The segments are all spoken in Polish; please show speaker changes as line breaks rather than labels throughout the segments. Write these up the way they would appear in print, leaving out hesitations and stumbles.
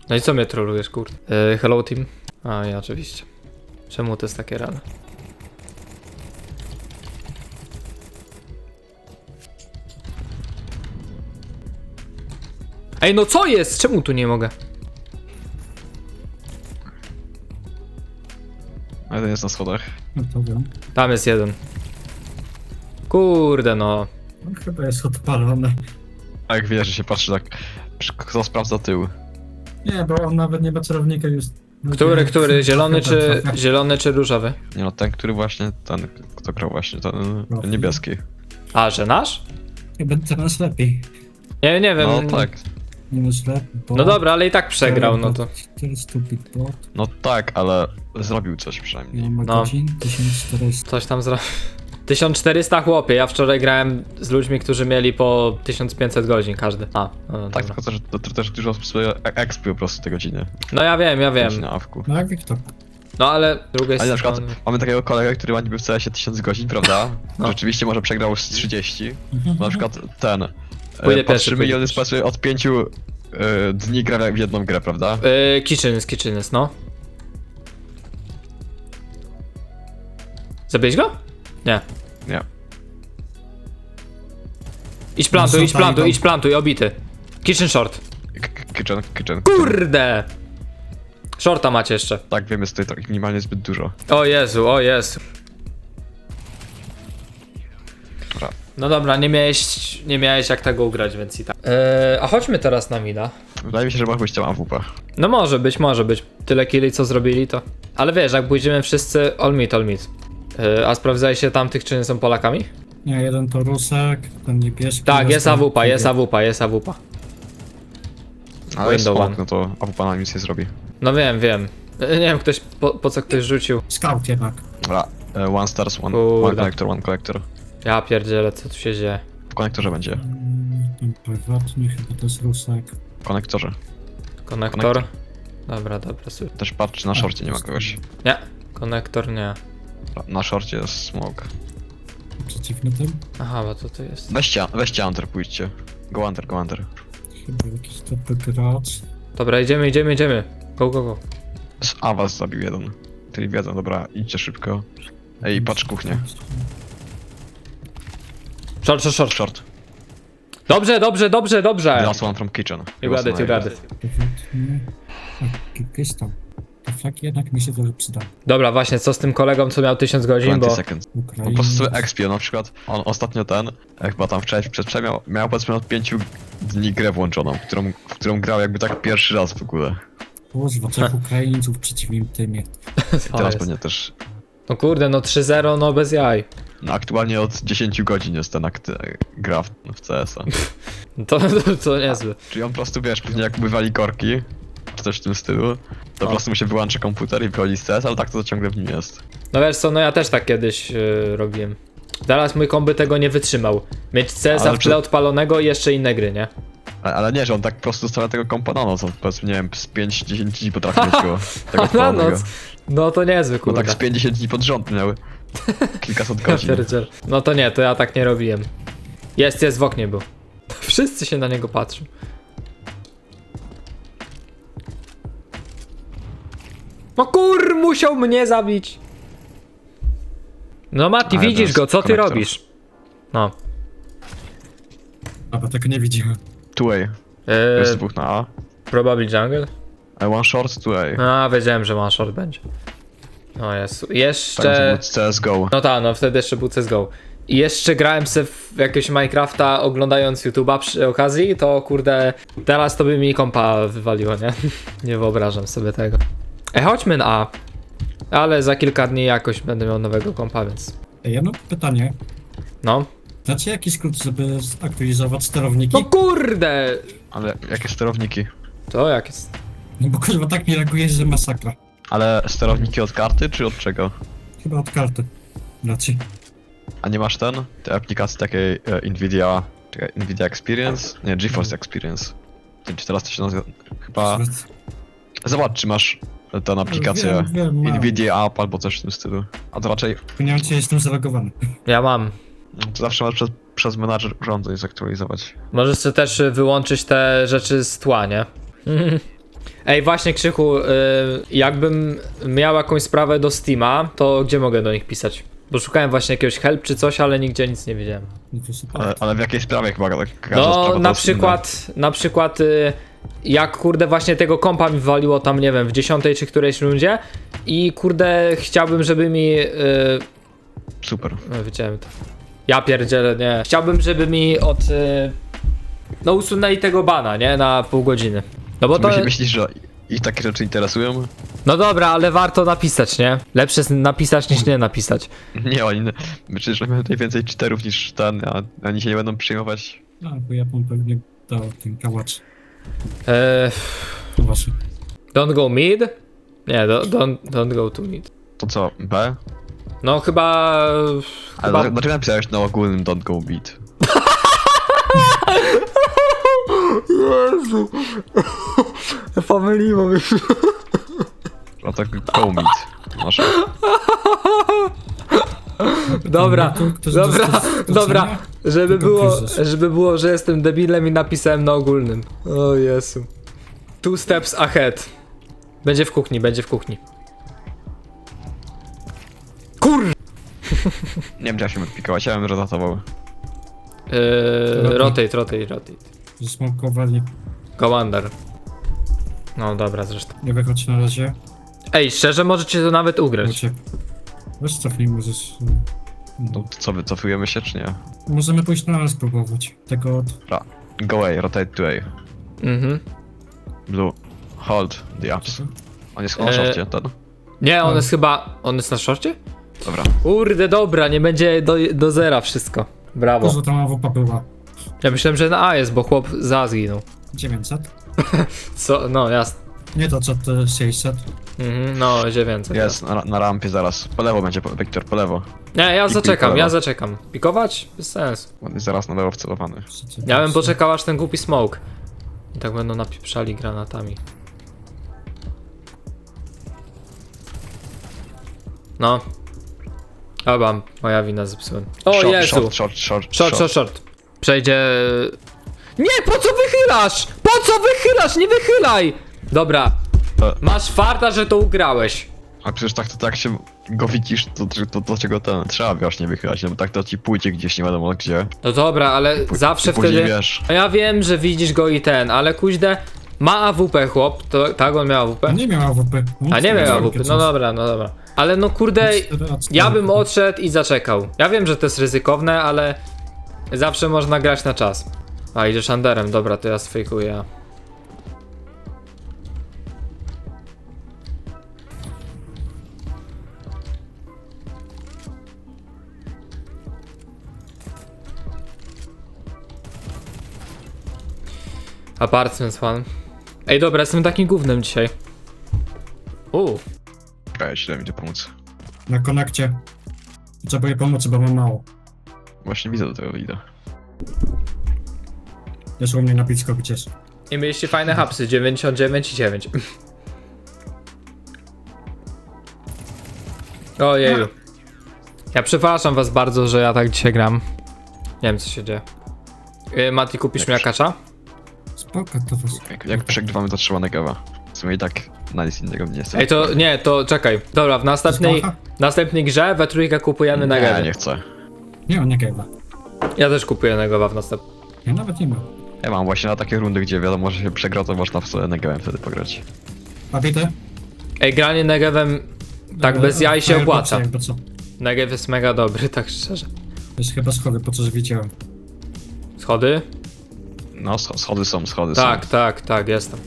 No i co mnie trolujesz, kurde? Hello team? A, ja oczywiście. Czemu to jest takie rane? Ej, no co jest? Czemu tu nie mogę?
A jeden jest na schodach.
No to wiem.
Tam jest jeden. Kurde no.
No, chyba jest odpalony.
A jak wiesz, że się patrzy tak, kto sprawdza tył.
Nie, bo on nawet nie ma celownika już.
Który? Zielony czy różowy?
Nie no, ten, który właśnie, ten, kto grał właśnie, ten niebieski.
A, że nasz?
Chyba teraz lepiej.
Nie wiem.
No tak,
Minus lepiej.
No dobra, ale i tak przegrał, no to.
400 bot.
no tak, ale zrobił coś
Ja
przynajmniej.
mam
No.
godzin 1400.
Coś tam zrobił. 1400 chłopie, ja wczoraj grałem z ludźmi, którzy mieli po 1500 godzin każdy. A, no,
Tak,
dobra.
tylko to też dużo osób sobie expił po prostu te godziny.
No ja wiem.
Na awku.
No jak Wiktor.
No ale z drugiej
Ale na
strony...
przykład mamy takiego kolegę, który ma niby w CS-ie 1000 godzin, prawda?
No.
Rzeczywiście może przegrał z 30. Na przykład ten.
Pójdę pierwszy,
Patrzymy i
pójdę
on jest
pierwszy.
od 5 dni gra w jedną grę, prawda?
Kitcheners, no. Zabiłeś go? Nie.
Nie.
Idź plantuj, obity. Kitchen short.
Kitchen.
Kurde! Shorta macie jeszcze.
Tak, wiem, jest tutaj tak minimalnie zbyt dużo.
O Jezu.
Dobra.
No dobra, nie miałeś jak tego ugrać, więc i tak. A chodźmy teraz na mida.
Wydaje mi się, że byś chciał AWP.
No może być. Tyle killi co zrobili to. Ale wiesz, jak pójdziemy wszyscy all mid. A sprawdzałeś się tam tych, czy nie są Polakami?
Nie, jeden to Rusek, ten niebieski.
Tak, jest
reszta-
AWP.
Ale jest
Window
smok,
one.
no to AWP na nic nie zrobi.
No wiem. Nie wiem, po co ktoś rzucił.
Scout jednak.
Dobra, one stars, one
Kurde.
connector.
Ja pierdzielę, co tu się dzieje.
W konektorze będzie.
Ten prywatny, chyba to jest Rusek.
W konektorze.
Konektor. Dobra, super.
Też patrz, czy na szorcie nie ma kogoś.
Nie, konektor nie.
Dobra, na szorcie jest smok.
Przeciwny tym.
Aha, bo to jest.
Weźcie Hunter, pójdźcie. Go Hunter.
Chyba jakiś dobry gracz.
Dobra, idziemy. Go.
A was zabił jeden. Czyli wiedzą, dobra, idźcie szybko. Ej, patrz kuchnię.
Short.
Short.
Dobrze.
The last one from kitchen.
You got it.
Prywatny. Jakieś tam. Te flaki jednak mi się dobrze przyda.
Dobra, właśnie, co z tym kolegą, co miał 1000 godzin,
20
bo...
seconds. Po
Ukrainie.
prostu sobie expił, na przykład on ostatnio chyba tam przedwczoraj miał powiedzmy od 5 dni grę włączoną, w którą grał jakby tak pierwszy raz w ogóle.
Kurwa, 3 Ukraińców w przeciwnym tymie.
I teraz pewnie też.
No kurde, no 3-0, no bez jaj.
No aktualnie od 10 godzin jest ten gra w CS-a.
To niezły.
Czyli on po prostu wiesz, później jak bywali korki, czy coś w tym stylu, to po prostu mu się wyłączy komputer i wychodzi z CS, ale tak to ciągle w nim jest.
No wiesz co, no ja też tak kiedyś robiłem. Teraz mój komby tego nie wytrzymał. Mieć CS-a
Ale
w tle odpalonego i jeszcze inne gry, nie?
Ale nie, że on tak po prostu stawia tego kompa na noc, on powiedzmy, nie wiem, z 5-10 dni potrafi mieć go, tego
Na
odpalonego.
noc. No to niezły,
No
kurde.
tak z 50 dni pod rząd miał kilkaset godzin.
Pierdziel. No to nie, to ja tak nie robiłem. Jest, w oknie był. Wszyscy się na niego patrzą. No musiał mnie zabić. No Mati,
Ale to
widzisz
jest
go, co ty
konektor.
robisz? No.
A bo tego nie widziałem.
Two-way, jest dwóch na A.
Probably jungle?
One short, two-way.
A, wiedziałem, że one short będzie. O Jezu.
Tak,
Jeszcze...
to CSGO.
No tak, no wtedy jeszcze był CSGO. I jeszcze grałem se w jakiegoś Minecrafta oglądając YouTube'a przy okazji, to kurde, teraz to by mi kompa wywaliło, nie? Nie wyobrażam sobie tego. Chodźmy na A. Ale za kilka dni jakoś będę miał nowego kompa, więc...
Ej, ja mam pytanie.
No.
Znacie jakiś skrót, żeby zaktualizować sterowniki?
No kurde!
Ale jakie sterowniki?
To jak jest?
No bo kurwa tak mi reagujesz, że masakra.
Ale sterowniki od karty, czy od czego?
Chyba od karty. Raczej.
A nie masz tej aplikacji takiej Nvidia Experience? Nie, GeForce Experience. Nie wiem, czy teraz to się nazywa, chyba... Zobacz, czy masz tę aplikację
Wiem, mam.
Nvidia App albo coś w tym stylu. A to raczej,
Nie wiem, czy jestem zalogowany.
Ja mam.
to zawsze masz przez menadżer urządzeń zaktualizować.
Możesz sobie też wyłączyć te rzeczy z tła, nie? Ej, właśnie Krzychu, jakbym miał jakąś sprawę do Steama, to gdzie mogę do nich pisać? Bo szukałem właśnie jakiegoś help czy coś, ale nigdzie nic nie widziałem.
No to super.
Ale w jakiej sprawie chyba każda
No,
sprawa
na
to jest
przykład, jak kurde właśnie tego kompa mi waliło tam, nie wiem, w 10 czy którejś rundzie i kurde chciałbym, żeby mi...
inna. Super.
No, wiedziałem to. Ja pierdzielę, nie. Chciałbym, żeby mi no usunęli tego bana, nie? Na pół godziny. No bo to...
Myślisz, że ich takie rzeczy interesują?
No dobra, ale warto napisać, nie? Lepsze jest napisać niż nie napisać.
Nie, oni... Przecież mamy tutaj więcej cheaterów niż ten, a oni się nie będą przyjmować.
No, bo Japon pewnie dał ten kałacz.
Eee,
To wasze.
don't go mid? Nie, don't go to mid.
To co, B?
No chyba...
Ale dlaczego napisałeś na ogólnym don't go beat?
Jezu. Pomyliło mi się.
A tak go meet. Masz.
Dobra,
Ktoś
dobra,
dostał
dobra.
docenia?
Żeby
Tylko
było,
kryzys.
żeby było, że jestem debilem i napisałem na ogólnym. O Jezu. 2 steps ahead. Będzie w kuchni, będzie w kuchni. Kur...
Nie wiem, czy ja się mógł pikować, ja bym rozatował.
Rotate.
Zasmokowali.
Commander. No dobra, zresztą.
Nie wychodź na razie.
Ej, szczerze możecie to nawet ugrać.
Uciek. Weź cofnij, możesz...
No to co, wycofujemy się, czy nie?
Możemy pójść na nas spróbować. Tego od...
Go A, rotate to A.
Mhm.
Blue, hold the ups. On jest na szorcie, ten?
Nie, on jest chyba... On jest na szorcie?
Dobra.
Kurde, dobra, nie będzie do zera wszystko. Brawo.
Dużo tam AWP była.
Ja myślałem, że na A jest, bo chłop za zginął.
900?
Co? No, jasne.
Nie to co, to 600.
Mhm, no, 900.
Jest, na rampie zaraz. Po lewo będzie, Wiktor, po lewo.
Nie, ja
Pikuj
zaczekam,
po
ja
lewo.
zaczekam. Pikować? Bez sensu.
On jest zaraz na lewo wcelowany.
Ja bym poczekał aż ten głupi smoke. I tak będą napieprzali granatami. No. Chyba moja wina zepsułem. O
Short,
Jezu! Short. Przejdzie... Nie, po co wychylasz? Po co wychylasz? Nie wychylaj! Dobra. Masz farta, że to ugrałeś.
A przecież tak się go widzisz, to dlaczego ten trzeba właśnie wychylać, no bo tak to ci pójdzie gdzieś nie wiadomo gdzie.
No dobra, ale zawsze
później
wtedy...
wiesz.
No ja wiem, że widzisz go i ten, ale kuźde... Ma AWP chłop, to tak on miał AWP?
Nie miał AWP.
A nie miał AWP, no dobra. Ale no kurde, ja bym odszedł i zaczekał. Ja wiem, że to jest ryzykowne, ale zawsze można grać na czas. A idziesz underem, dobra, to ja sfejkuję. Apartments one. Ej dobra, jestem takim gównem dzisiaj.
Czekaj, źle mi tu pomóc.
Na konekcie. Trzeba jej pomóc, bo mam mało.
Właśnie widzę do tego idę.
Jest u mnie na blisko gdzieś.
I mieliście fajne hapsy, 99 i 9. Ojeju. Ja przepraszam was bardzo, że ja tak dzisiaj gram. Nie wiem co się dzieje. Mati, kupisz mi akacza?
Spoko, to was.
Jak przegrywamy, to trzeba negawa. W sumie i tak na nic innego nie jest.
Ej, to nie, to czekaj. Dobra, w następnej grze we trójkę kupujemy na
Nie,
gawę.
nie chcę.
Nie, on nie gejwa.
Ja też kupuję negowa w następnej.
Ja nawet nie mam.
Ja mam właśnie na takie rundy, gdzie wiadomo, że się przegra, to można w negawem wtedy pograć.
Papite?
Ej, granie negewem tak bez jaj się opłaca.
Jakby co.
Negew jest mega dobry, tak szczerze.
To jest chyba schody, po co że widziałem.
Schody?
No, schody są.
Tak, jestem.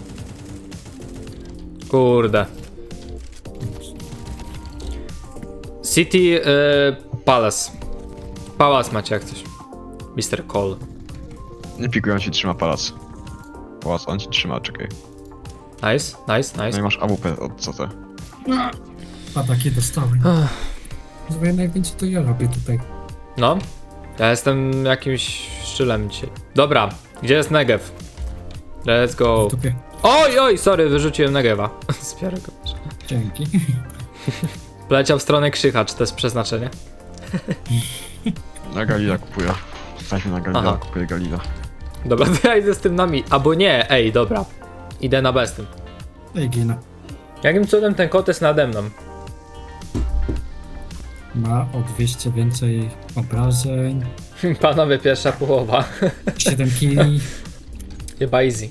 Kurde. City Palace. Palace macie jak coś. Mr. Cole.
Nie pikują ci trzyma pałac. Pałac, on ci trzyma, czekaj.
Nice.
No i masz AWP od co te?
A takie dostałem. Zdaję najwięcej to ja robię tutaj.
No. Ja jestem jakimś szczylem dzisiaj. Dobra, gdzie jest Negev? Let's go.
W dupie.
Oj, sorry, wyrzuciłem Negewa. Zbiorę go.
Dzięki.
Poleciał w stronę Krzycha, czy to jest przeznaczenie?
Na Galila kupuję. Stańmy na Galila,
Aha.
kupuję Galila.
Dobra, to ja idę z tym nami. Albo nie, ej, dobra. Idę na bestym.
No i ginę.
Jakim cudem ten kot jest nade mną?
Ma o 200 więcej obrażeń.
Panowie, pierwsza połowa.
7 killi.
Chyba easy.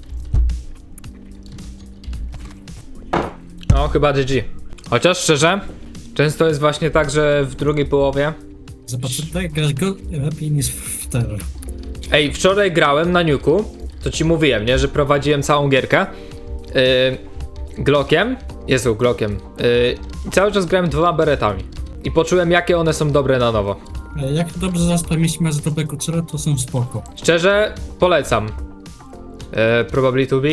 No, chyba GG. Chociaż szczerze, często jest właśnie tak, że w drugiej połowie...
Zobacz, tutaj grasz go lepiej niż w terror.
Ej, wczoraj grałem na Nuku, to ci mówiłem, nie, że prowadziłem całą gierkę Glockiem, Glockiem, i cały czas grałem 2 beretami i poczułem, jakie one są dobre na nowo.
Jak dobrze zastawiliśmy z dobrego celu, to są spoko.
Szczerze, polecam. Probably to be.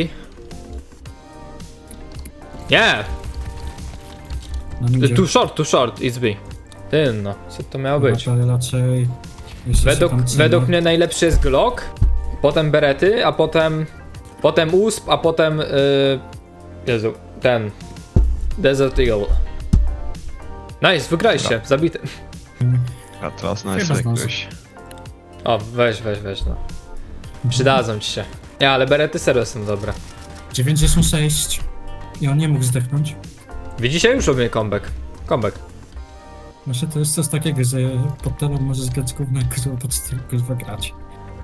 Nie!
Na midzie.
Too short, it's B. Ty no, co to miało być?
Ale raczej... jeszcze się tam trzyma.
Według mnie najlepszy jest Glock, potem berety, a potem USP, a potem Jezu, ten Desert Eagle. Nice, wygraliście, zabity.
A teraz
Chyba
nice
zdążę.
jakiegoś.
O, weź, no. Przydadzą ci się. Nie, ale berety serio są dobre.
96. I on nie mógł zdechnąć.
Widzicie, już robię comeback.
Właśnie to jest coś takiego, że pod telą możesz grać gówno, kurwa, pod kurwa grać.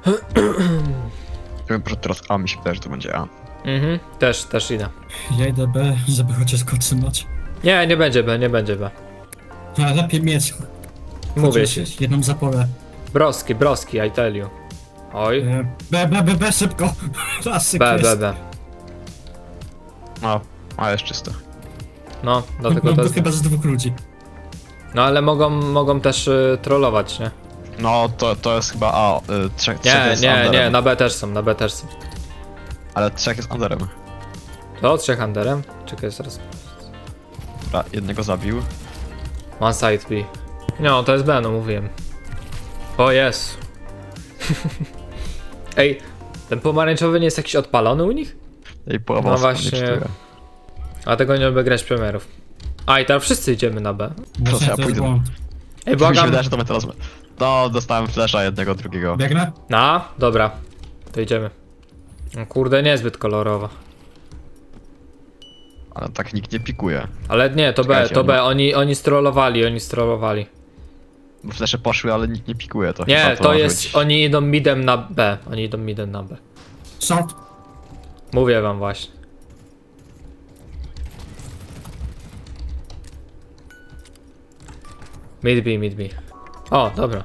Teraz A mi się wydaje, że to będzie A.
Mhm, też idę.
Ja idę B, żeby chociaż go trzymać.
Nie będzie B.
No, lepiej mieć.
Mówię
Chociaż
ci.
jedną zapolę.
Broski, I tell you. Oj.
B, szybko! Raz
B.
No, A jest czyste.
No, dlatego
No,
to
to
jest...
chyba z 2 ludzi.
No ale mogą też trollować, nie?
No, to jest chyba A. Trzech jest
Nie,
underem.
na B też są.
Ale trzech jest underem.
To 3 underem? Czekaj, zaraz.
Dobra, jednego zabił.
One side B. No, to jest B, no mówiłem. O, jest. Ej, ten pomarańczowy nie jest jakiś odpalony u nich?
I połowa
No
osób nie
właśnie.
czytuje.
A tego nie lubię grać premierów. A i teraz wszyscy idziemy na B.
Właśnie
ja
to jest
pójdę.
błąd.
Ej,
Mi się
błagam.
wydaje, że to my teraz... No, dostałem flasha jednego, drugiego.
Biegnę?
Dobra. To idziemy. No, kurde, niezbyt kolorowa.
Ale tak nikt nie pikuje.
Ale nie, to B,
Czekajcie,
to B. Oni strollowali.
Bo flesze poszły, ale nikt nie pikuje. To
Nie,
chyba
to
może
jest...
być-
Oni idą midem na B.
Short.
Mówię wam właśnie. Mid B. O, dobra.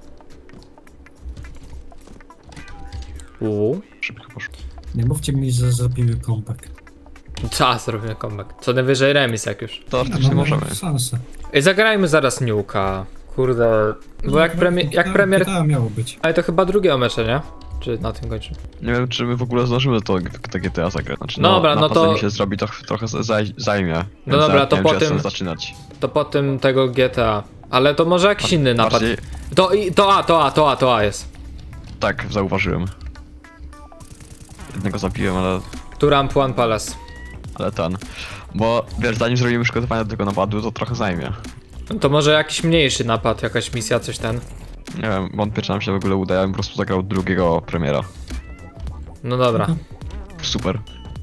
Szybko poszło.
Nie mówcie mi, że zrobimy comeback.
Czas robimy comeback. Co najwyżej remis jak już.
To oczywiście możemy.
Szansę.
Ej, zagrajmy zaraz Nuka. Kurde. Bo jak premier...
To miało być.
Ale to chyba drugiego mecze, nie? Czy na tym kończy?
Nie wiem, czy my w ogóle zdążymy to GTA zagrać. Znaczy,
Dobra, no to-
mi się zrobi, to trochę zajmie.
No
Więc
dobra,
nawet
to
nie
po
wiem, czy ja
tym-
chcę zaczynać.
To po tym tego GTA. Ale to może jakiś inny napad.
Bardziej,
To A jest.
tak, zauważyłem. Jednego zabiłem,
Turam One Palace.
ale ten. Bo wiesz, zanim zrobimy przygotowania do tego napadu, to trochę zajmie.
No to może jakiś mniejszy napad, jakaś misja, coś ten.
Nie wiem, wątpię, czy nam się w ogóle uda. Ja bym po prostu zagrał drugiego premiera.
No dobra.
Super.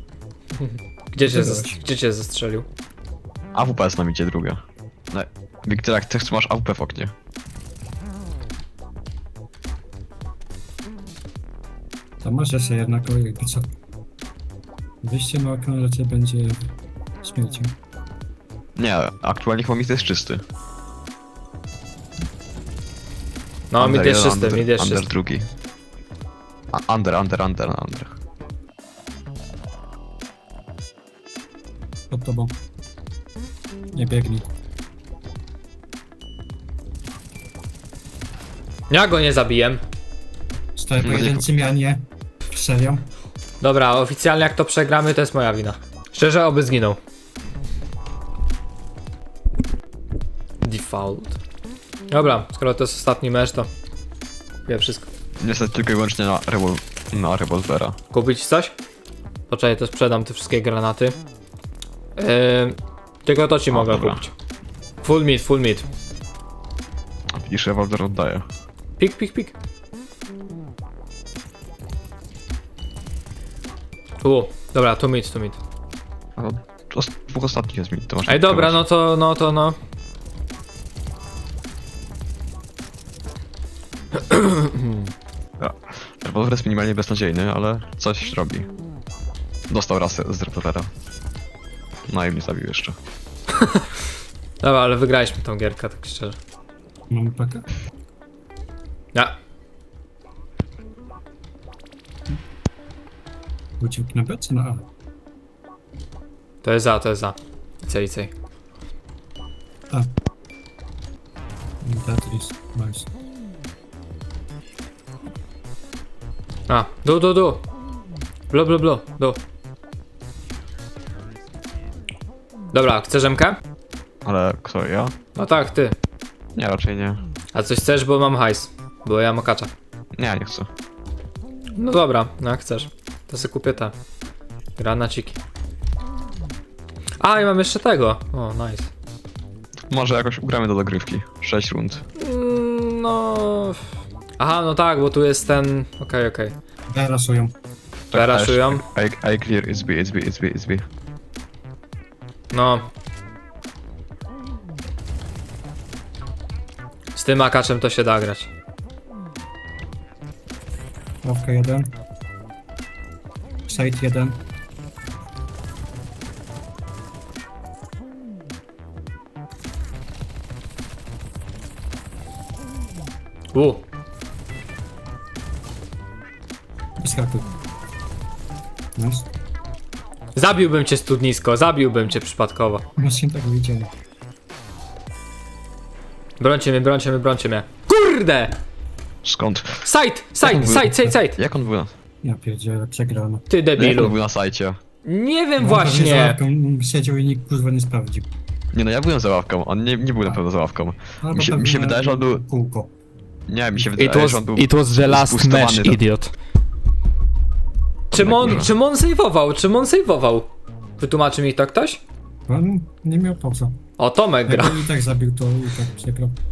Gdzie cię zastrzelił?
AWP jest nam idzie druga. No, Wiktor, jak ty masz AWP w oknie.
To masz jeszcze jedna kolejka, co? Wyjście na okno raczej będzie śmiercią.
Nie, aktualnie chyba mit jest czysty.
No,
Under
mid jest
jeden,
czysty, mid jest
Under
czysty.
drugi. Under.
Pod tobą. Nie biegnij.
Ja go nie zabiłem.
Stoję
No
pojedynczymi, a nie serią.
Dobra, oficjalnie jak to przegramy, to jest moja wina. Szczerze, oby zginął. Default. Dobra, skoro to jest ostatni mecz, to wiem wszystko.
Niestety tylko i wyłącznie na rewolwera.
Kupić coś? Poczekaj, to sprzedam te wszystkie granaty. Tylko to ci mogę
dobra.
kupić. Full meat.
A widzisz, rewolwer oddaje.
Pik. Dobra, tu mid.
A no, dwóch ostatnich jest mi, to masz...
Ej, dobra, no.
Rewolwer jest minimalnie beznadziejny, ale coś robi. Dostał raz z rewolwera. No i mnie zabił jeszcze.
Dobra, ale wygraliśmy tą gierkę, tak szczerze.
Mamy pakę?
Ja.
Uciekł na B czy na A?
To jest za. Icej.
A. Tetris, nice.
A, du. Blu. Dobra, chcesz MK?
Ale kto, ja?
No tak, ty.
Nie, raczej nie.
A coś chcesz, bo mam hajs. Bo ja mam okacza.
Nie chcę.
No dobra, no jak chcesz. To sobie kupię te granaciki. A, i mam jeszcze tego. O, nice.
Może jakoś ugramy do dogrywki. 6 rund.
No... Aha, no tak, bo tu jest ten... Okej.
B rasują.
Raszują.
I clear, it's B.
No. Z tym akaczem to się da grać.
Ławka 1. Side 1. Wyskakuj. Nice.
Zabiłbym cię studnisko, zabiłbym cię przypadkowo.
Właśnie tak widzieli.
Brońcie mnie. Kurde!
Skąd?
Side!
Jak on był na...
Ja pierdzielę, przegrano.
Ty
Jak on
debilu.
był na sajcie?
Nie wiem
Za
właśnie.
ławką siedział i nikt kurwa nie sprawdził.
Nie no, ja byłem za ławką, on nie był na pewno za ławką.
Albo
Mi się
pewnie
wydaje, że on był...
Kółko.
Nie, mi się wydaje, że on był...
was the last
zboostowany
match,
do-
idiot. Czym on sejwował? Wytłumaczy mi to ktoś?
On nie miał po co.
O, Tomek gra.
Jakby i tak zabił, to i tak przegrał.